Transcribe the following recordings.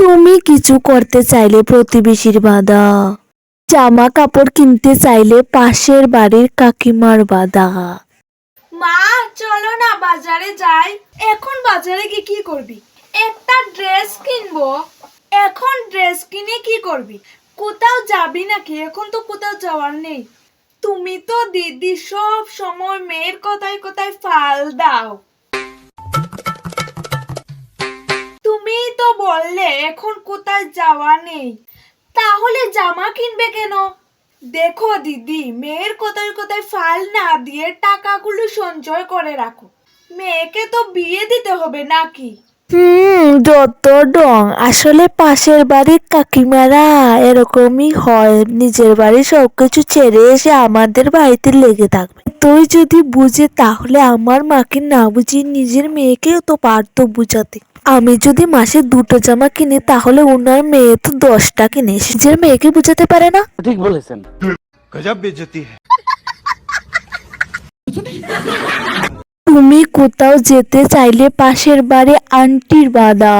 তুমি কিছু করতে চাইলে প্রতিবেশীর বাধা, জামা কাপড় কিনতে চাইলে পাশের বাড়ির কাকিমার বাধা। মা চলো না বাজারে যাই। এখন বাজারে গিয়ে কি করবি? একটা ড্রেস কিনবো। এখন ড্রেস কিনে কি করবি? কোথাও যাবি নাকি? এখন তো কোথাও যাওয়ার নেই। তুমি তো দিদি সব সময় মেয়ের কথায় কথায় ফাল দাও। তুমি তো বললে এখন কোথায় যাওয়া নেই, তাহলে জামা কিনবে কেন? দেখো দিদি, মেয়ের কোথায় কোথায় ফাল না দিয়ে টাকাগুলো সঞ্চয় করে রাখো। মেয়েকে তো বিয়ে দিতে হবে নাকি? যত ডং, আসলে পাশের বাড়ির কাকিমারা এরকমই হয়, নিজের বাড়ির সবকিছু ছেড়ে এসে আমাদের বাড়িতে লেগে থাকবে। তুই যদি বুঝে তাহলে আমার মাকে না বুঝিয়ে নিজের মেয়েকেও তো পারতো বুঝাতে। আমি যদি মাসে 2টো জামা কিনি তাহলে ওনার মেয়ে তো 10টা কিনে নিজের মেয়েকে বুঝাতে পারে না। ঠিক বলেছেন। गजब बेइज्जती है। তুমি কোথাও যেতে চাইলে পাশের বাড়ি আন্টির বাধা।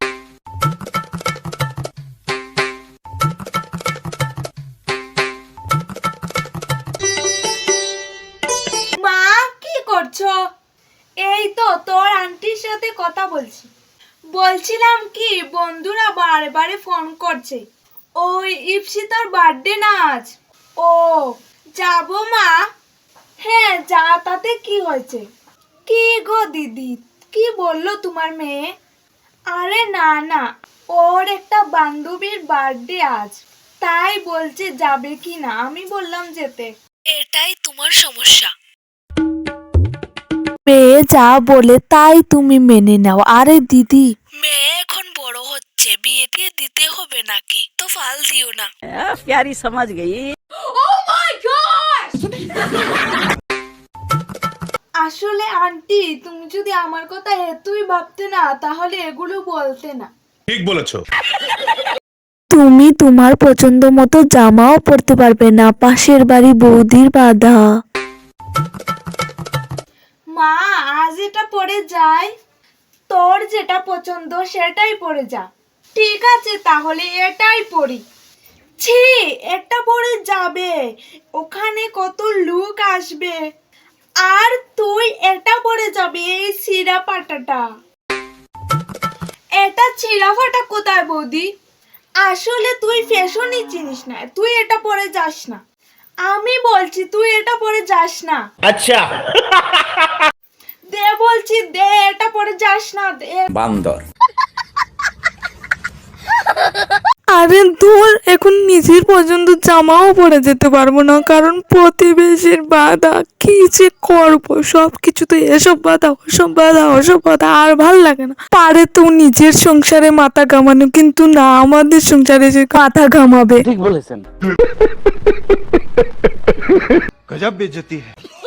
মা কি করছো? এই তো তোর আন্টির সাথে কথা বলছিলাম কি, বন্ধুরা বারে বারে ফোন করছে। ওই ইপসিতার বার্থডে না আজ। ও যাবো মা? হ্যাঁ যা, তাতে কি হয়েছে? কি গো দিদি, কি বললো তোমার মেয়ে? আরে না না, ওর একটা বান্ধবীর বার্থডে আজ, তাই বলছে যাবে কি না। আমি বললাম যেতে। এটাই তোমার সমস্যা। মেয়ে যা বলে তাই তুমি মেনে নাও। আরে দিদি, মেয়ে এখন বড় হচ্ছে, বিয়ে দিয়ে দিতে হবে নাকি? তো ফাল দিও না। प्यारी समझ गई। আসলে আন্টি, তুমি যদি আমার কথা এতই ভাবতে না তাহলে এগুলো বলতে না। ঠিক বলেছো। তুমি তোমার পছন্দ মতো জামাও পরতে পারবে না, পাশের বাড়ি বৌদির বাধা। মা আজ এটা পরে যাই। তোর যেটা পছন্দ সেটাই পরে যা। ঠিক আছে তাহলে এটাই পরি। ছি, এটা পরে যাবে, ওখানে কত লোক আসবে। আর তুই এটা পরে যাবি, এই ছিঁড়া পাটাটা। এটা ছিঁড়া ফাটা কোথায় বৌদি? আসলে তুই ফ্যাশনই চিনিস না, তুই এটা পরে যাস না। আমি বলছি তুই এটা পরে যাস না। अच्छा দে বলছি, দে, এটা পরে যাস না, দে। বান্দর। আরে তোর এখন নিজের পছন্দ জামাও পরে যেতে পারবো না, কারণ প্রতিবেশীর বাধা। কি যে করবো, সবকিছু তো এসব বাধা ওসব বাধা ওসব বাধা, আর ভাল লাগে না। পারে তো নিজের সংসারে মাথা ঘামানো, কিন্তু না, আমাদের সংসারে যে মাথা ঘামাবে। ঠিক বলেছেন। गजब बेइज्जती है।